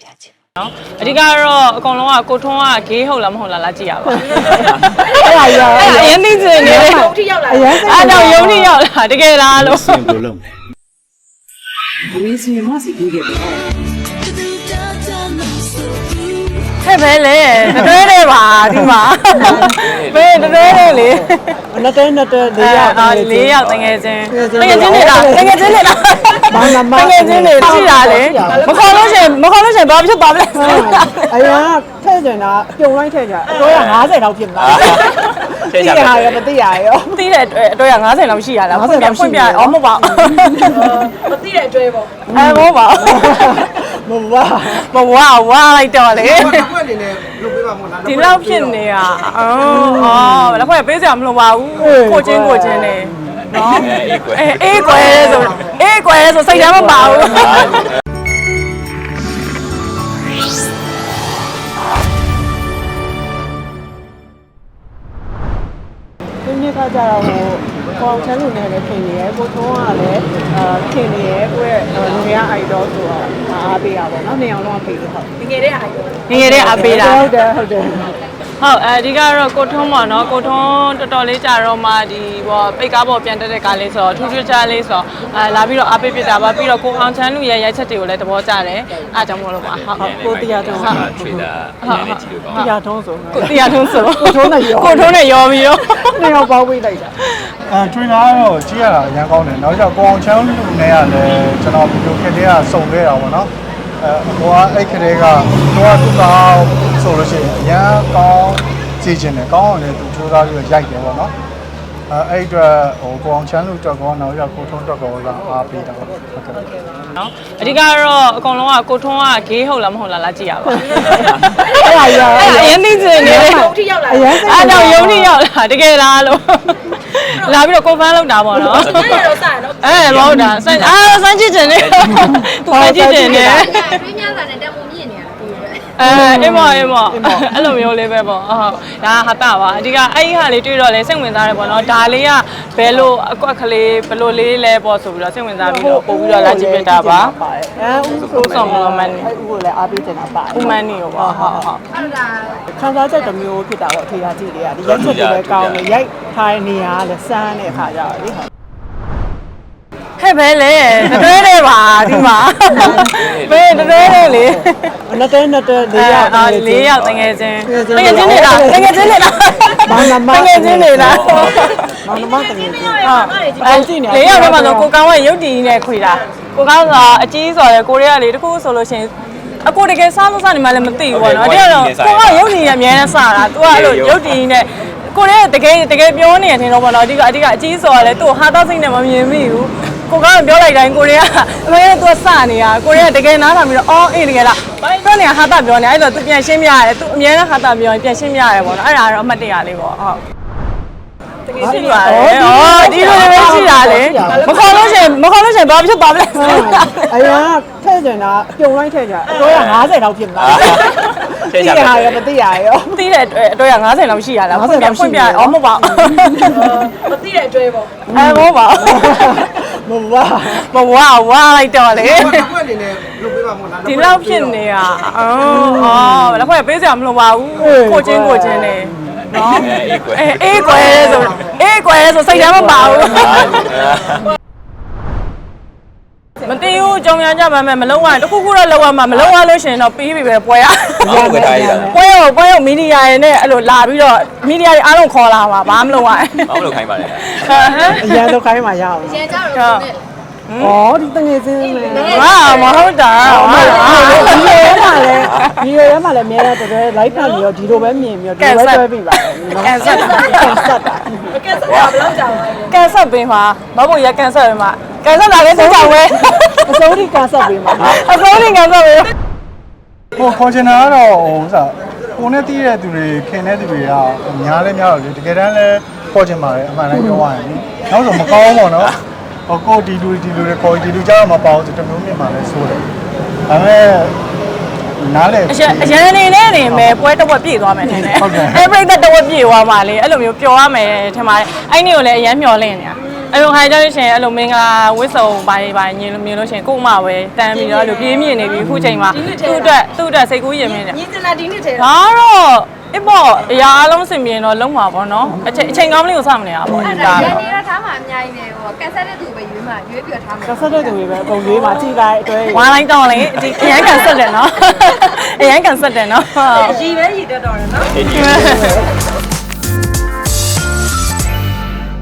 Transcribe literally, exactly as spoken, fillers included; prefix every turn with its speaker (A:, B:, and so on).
A: ပြချင်
B: နော်အဓိကတော့အကောင်လုံးကကိုထွန်းကဂေးဟုတ်လားမဟုတ်လားလားကြည့်ရပါ
A: အဲ့ဒါရော
B: အရင်သိချင်နေတယ်
A: ရုံထိရောက်လာအဲ့
B: တော့ရုံထိရောက်လာတကယ်လားလို့
C: စင်ဘလုံးဝီစီမစီကြီးခဲ့
B: ဟဲ့ပဲလေတတွဲတယ်ပါဒီမှာပဲတတွဲတယ်လေ
A: နှစ်တဲနှစ်တဲလေးယောက်
B: အာလေးယောက်တကယ်ချင်းတကယ်ချင်းနေတာတကယ်ချင်းနေတာ
A: ဘာမှမ
B: တကယ်ချင်းနေရှိတာလေမခေါ်လို့ရှင်မခေါ်လို့ရှင်ဘာဖြစ်သွားမလဲ
A: အရင်ကထဲ့ကျင်တာပြုံလိုက်ထဲ့ကြအတွဲက50လောက်ဖြစ်မှာသိရရမသိရရော
B: သိတဲ့အတွဲက50လောက်ရှိရလားဖွင့်ပြဖွင့်ပြအော်မဟုတ်ပါ
D: မသိတဲ့အတွဲပေါ့
B: အဲမဟုတ်ပါ
A: မဝါ
B: မဝါဝါလိုက်တော့လေ
D: ဖွင့်နေတယ်လုပ်ပေးပါမို့လား
B: ဒီလောက်ဖြစ်နေတာအော်အော်လက်ဖွဲ့ပေးစရာမလိုပါဘူးကိုချင်းကိုချင်းနေနော်အေးကွယ်ဆိုအေးကွယ်ဆိုစိတ်ထဲမပါဘူး
A: ဒီနေ့ကကြတော့ဟိုကောင်ချမ်းလူနဲ့လည်းခင်နေရယ်ကိုထုံးကလည်းအာခင်နေရယ်ကိုယ့်ရဲ့လူငယ်အိုက်ဒေါဆိုတော့အားပေးတာပေါ့နော်နေအောင်တော့ပေးလို့ဟုတ်
D: ငငယ်တဲ့အိုက်တော့
B: ငငယ်တဲ့အားပေးတာ
A: ဟုတ်တယ်ဟုတ်တယ်
B: ဟုတ်အဲဒီကတော့ကိုထုံးပေါ့နော်ကိုထုံးတော်တော်လေးကြာတော့မှဒီဘောပိတ်ကားပေါ်ပြန်တက်တဲ့ကားလေးဆိုတော့ထူးထူးခြားလေးဆိုတော့အဲလာပြီးတော့အားပေးပြတာပါပြီးတော့ကိုအောင်ချမ်းလူရဲ့ရိုက်ချက်တွေကိုလည်းသဘောကျတယ်အားကြောင့်မလို့ပါဟုတ်
A: ကိုတရားထုံးဟုတ်
C: ချွေတာနည်းနည်းကြည့်လို့ပါ
A: တရားထုံးဆို
B: ကိုတရားထုံးဆို
A: ကိုထုံးနဲ့ရော
B: ကိုထုံးနဲ့ရောပြီးတော့
A: နေအောင်ပေါင်းပေးလိုက်တာ
E: အဲ trainer ကတော့ကြည့်ရတာအရင်ကောင်းတယ်နောက်ကျကိုအောင်ချမ်းလူနဲ့ကလည်းကျွန်တော်ဗီဒီယိုခက်တဲ့ကစုံခဲ့တာပေါ့နော်အဲဟိုကအဲ့ခတဲ့ကဟိုကသူ့ကောင်းဆိုလို့ရှိရင်အရင်ကောင်းကြည့်ချင်တယ်ကောင်းအောင်လည်းသူစူးစမ်းပြီးရိုက်တယ်ပေါ့နော်အဲအဲ့အတွက်ဟိုကိုအောင်ချမ်းလူတော့ကောနောက်ကျကိုထုံးတော့ကောကအားပေးတာပေါ့ဟုတ်ကဲ့
B: နော်အဓိကတော့အကောင်လုံးကကိုထွန်းကဂေးဟုတ်လားမဟုတ်လားလားကြည့်ရပါ
A: အဲ့ဒါရော
B: အရင်သိချင်နေတယ်
D: ရုံထိရောက်လာ
A: အဲ့
B: တော့ရုံထိရောက်လာတကယ်လားလို့လာပြီးတော့ကွန်ဖမ်းလုပ်တာပေါ့နော်
D: အဲ့တော့စရနော်
B: အဲမဟုတ်တာစမ်းအာစမ်းကြည့်ချင်တယ်သူစမ်းကြည့်ချင်တယ်
D: တွင်းများလာတဲ့တက်ပုံမြင့်နေရတာဒီလိုပဲ
B: အဲအင်းမအင်းမအဲ့လိုမျိုးလေးပဲပေါ့ဟုတ်ဒါဟာတာပါအဓိကအဲ့ဒီဟာလေးတွေ့တော့လဲစိတ်ဝင်စားတယ်ပေါ့နော်ဒါလေးကဘယ်လိုအကွက်ကလေးဘယ်လိုလေးလဲပေါ့ဆိုပြီးတော့စိတ်ဝင်စားပြီးတော့ပို့ပြီးတော့လာကြည့်ပြတာပါ
A: အဲဦး
B: ဆိုဆောင်မလို့မန်နေ
A: ဦးကိုလည်းအားပေးချင်တာပါ
B: ဦးမန်နေရောပေါ့ဟုတ်ဟုတ်
D: အဲ့ဒါ
A: ခံစားချက်တစ်မျိုးဖြစ်တာပေါ့ထေရကြည့်တွေကဒီရက်ချက်တွေပဲကောင်းတယ်ရိုက်ထားတဲ့နေရာကလည်းစမ်းတဲ့အခါကျတော့လေဟုတ်
B: ဟဲ့ပဲလေတတွဲတယ်ပါဒီမှာပဲတတွဲတယ်လေ
A: နှစ်တဲနှစ်တဲလေးယောက်
B: အာလေးယောက်တကယ်ချင်းတကယ်ချင်းနေတာတကယ်ချင်းနေတာ
A: ဘာမှမ
B: တကယ်ချင်းနေတာ
A: ဘာမှမတကယ်ချင်း
B: ဟုတ်အဲလေးယောက်ထဲမှာဆိုကိုကောင်းကရုပ်တည်နဲ့ခွေတာကိုကောင်းကအကြီးဆိုရယ်ကိုရီးယားလေတခုဆိုလို့ရှိရင်အကိုတကယ်စားလို့စားနေမှလည်းမသိဘူးပေါ့နော်အဲ့တော့ကိုကရုပ်တည်နဲ့အများနဲ့စားတာ तू ကအဲ့လိုရုပ်တည်နဲ့ကိုရဲတကယ်တကယ်ပြောနေတယ်ထင်တော့ပေါ့နော်အဓိကအဓိကအကြီးဆိုရယ်လေသူ့ဟာသားစိတ်နဲ့မမြင်မိဘူးကိုကပြောလိုက်တိုင်းကိုရီးယားအမေကသူကစနေတာကိုရီးယားတကယ်နားထောင်ပြီးတော့အော်အေးတကယ်လားပြောနေတာဟာတာပြောနေအဲ့တော့သူပြန်ရှင်းပြရတယ်သူအမြဲတမ်းဟာတာပြောရင်ပြန်ရှင်းပြရတယ်ပေါ့နော်အဲ့ဒါတော့အမှတ်တရလေးပေါ့ဟုတ်တကယ်ရှိပါတယ်။အော်ဒီလိုလေးရှိတာလေ။မခေါ်လို့ရှင်မခေါ်လို့ရှင်ဘာဖြစ်သွားမလဲ
A: ။အရင်ကထဲ့ကျင်တာပြုံလိုက်ထဲ့ကြအတွဲက50လောက်ဖြစ်မှာ။သိရရမသိရရော
B: သိတဲ့အတွဲက50လောက်ရှိရလားဖွင့်ပြဖွင့်ပြအော်မဟုတ်ပါ
D: မသိတဲ့အတွဲပေါ့
B: အဲမဟုတ်ပါ
A: မဝါ
B: မဝါဝါလိုက်တော့လေ
D: ဖွင့်နေတယ်လုပ်ပေးပါမို့လား
B: ဒီလောက်ဖြစ်နေတာအော်အော်လက်ဖွဲ့ပေးစရာမလိုပါဘူးကိုချင်းကိုချင်းနေနော်အေးကွယ်ဆိုအေးကွယ်ဆိုစိတ်ထဲမပါဘူးမသိဘူးကြောင်ရကြပါမယ်မလုံးဝတခုခုတော့လောက်ရမှာမလုံးဝလို့ရှင်တော့ပြီးပြီပဲပွဲရ
C: ဟုတ်ကဲ့ဒါကြီးလား
B: ပွဲရောပွဲရောမီဒီယာရဲ့နဲ့အဲ့လိုလာပြီးတော့မီဒီယာတွေအားလုံးခေါ်လာပါဘာမှမလုပ်ရ
C: ဘာမလုပ်ခိုင်းပါလဲဟမ်
A: အရန်လောက်ခိုင်းမှာရအောင်
D: ရန်ကြတော့
A: ဩဒီတငယ်ချင်းလေ
B: ဟာမဟုတ်တာ
A: ဒီလိုရမှာလေဒီလိုရမှာလေအများတော့တော် live ဖန်ပြီးတော့ဒီလိုပဲမြင်ပြီးတော့ဒီလိုပဲတွဲပြီးပါ
B: ကန်ဆက်တာ
A: ကန်ဆက်တာ
D: ကန်ဆက်တာဘယ်လောက်ကြာလဲ
B: ကန်ဆက်ပင်မှာမဟုတ်ရကန်ဆက်ပင်မှာကန်ဆက်လာလဲသိကြဝဲ
A: အစိုးရကန်ဆက်ပေးမှာ
B: အစိုးရကန်ဆက်ပေး
E: ဟိုခေါ်ချင်တာကတော့ဟိုစားကိုနဲ့တီးတဲ့သူတွေခင်တဲ့သူတွေကများလဲများတော့လေတကယ်တမ်းလဲခေါ်ချင်ပါတယ်အမှန်တိုင်းပြောရရင်နောက်ဆိုမကောင်းဘူးပေါ့နော်ဟိုကိုဒီလူဒီလူတွေခေါ်ဒီလူကြတော့မပေါဘူးဆိုတမျိုးမြင်ပါလဲဆိုတယ်ဒါပေမဲ့နားလေ
B: အရန်နေနဲ့နေမယ်ပွဲတစ်ဝက်ပြည့်သွားမယ်ထင်တယ်အဲ့ပြိတ္တတစ်ဝက်ပြည့်သွားမှလေအဲ့လိုမျိုးပျော်ရမယ်ထင်ပါတယ်အဲ့နေ့ကိုလည်းအရန်မျောလင့်နေတာအဲ့လိုခိုင်းကြလို့ရှိရင်အဲ့လိုမင်္ဂလာဝစ်စုံပိုင်းပိုင်းညင်လို့မြင်လို့ရှိရင်ကို့မပဲတန်းပြီးတော့အဲ့လိုပြေးမြင်နေပြီအခုချိန်မှာသူ့အတွက်သူ့အတွက်စိတ်ကူးရင်မင်းတယ်
D: ညီစနာဒီနေ့ထဲ
B: ဒါတော့အပေါ့အရာအလုံးစင်ပြေတော့လုံးမှာပေါ့နော်အချိန်အချိန်ကောင်းလေးကိုစမနေရပါဘူး
D: အဲ့
B: ဒါ
D: ဒါ
B: တော့
D: ရန်နေတာထားမှာအများကြီးပဲဟိုကန်ဆက်တဲ့သူပဲရွေးမှာရွေးပြထားမှာ
A: ကဆက်တဲ့သူတွေပဲအကုန်ရွေးမှာကြည်လိုက်အတွဲ
B: ဝိုင်းလိုက်တော့လေဒီအရန်ကန်ဆက်တယ်နော်အရန်ကန်ဆက်တယ်နော်
D: ရည်ပဲရည်တတ်တော့တယ်နော်